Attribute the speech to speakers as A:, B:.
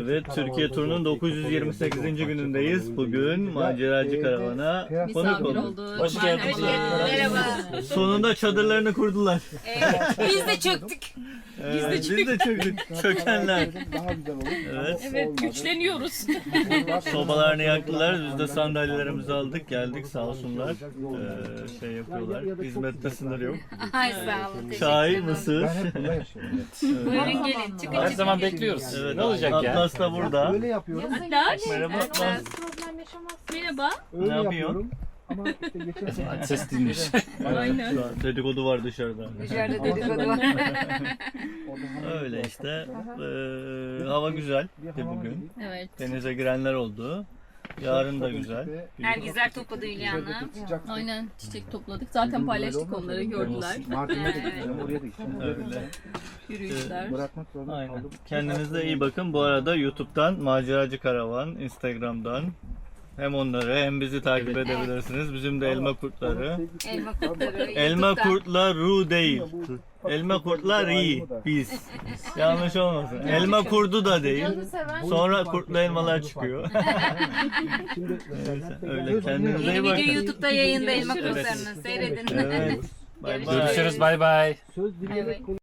A: Evet, Türkiye turunun 928. günündeyiz. Bugün maceracı karavana konuk
B: Misafir
A: olduk.
B: olduk.
C: Hoş geldiniz.
B: Merhaba.
A: Sonunda çadırlarını kurdular.
B: Biz de çöktük.
A: Biz de çöktük. Çökenler.
D: Daha güzel olur.
A: Evet.
B: Evet, güçleniyoruz.
A: Sobalarını yaktılar. Biz de sandalyelerimizi aldık. Geldik sağ olsunlar. Şey yapıyorlar. Hizmette sınır yok.
B: Ay sağ olun.
A: Çay, mısır.
D: Ben hep bunda yaşıyorum.
B: Buyurun gelin. Çıkın
C: Her
B: çıkın.
C: zaman bekliyoruz.
A: Evet,
C: Ne olacak ya?
A: Atlas da burada.
D: Öyle yapıyorum.
B: Atlas.
A: Merhaba Atlas.
B: Merhaba.
D: Öyle
A: Ne yapıyor?
D: yapıyorum. Ama işte geçen sene
C: Ses dinmiş.
B: Aynen.
A: Şu an dedikodu var dışarıda.
B: Dışarıda dedikodu var.
A: Öyle işte. Hava güzel bugün.
B: Evet.
A: Denize girenler oldu. Yarın da güzel.
B: Nergizler topladı Hülya'nı. Aynen, çiçek topladık. Zaten paylaştık, onları gördüler.
D: Mardin'e de gideceğim. Oraya da gideceğim.
A: Öyle.
B: Yürüyüşler.
D: Bırakmak zorunda
A: Aynen.
D: kaldım.
A: Kendinize iyi bakın. Bu arada YouTube'dan Maceracı Karavan, Instagram'dan hem onları hem bizi takip edebilirsiniz. Bizim de elma kurtları.
B: Elma kurtları.
A: Elma
B: YouTube'da.
A: kurtlar ru değil. Elma kurtlar iyi. Biz. Yanlış olmasın. Elma kurdu da değil. Sonra kurtlu elmalar çıkıyor. Neyse, öyle kendinize
B: Yeni
A: iyi
B: video
A: bakın.
B: YouTube'da yayında elma
A: Evet.
B: kurtlarını seyredin.
A: Evet. Bay bay.
C: Görüşürüz. Bay bay.
D: Söz dileyerek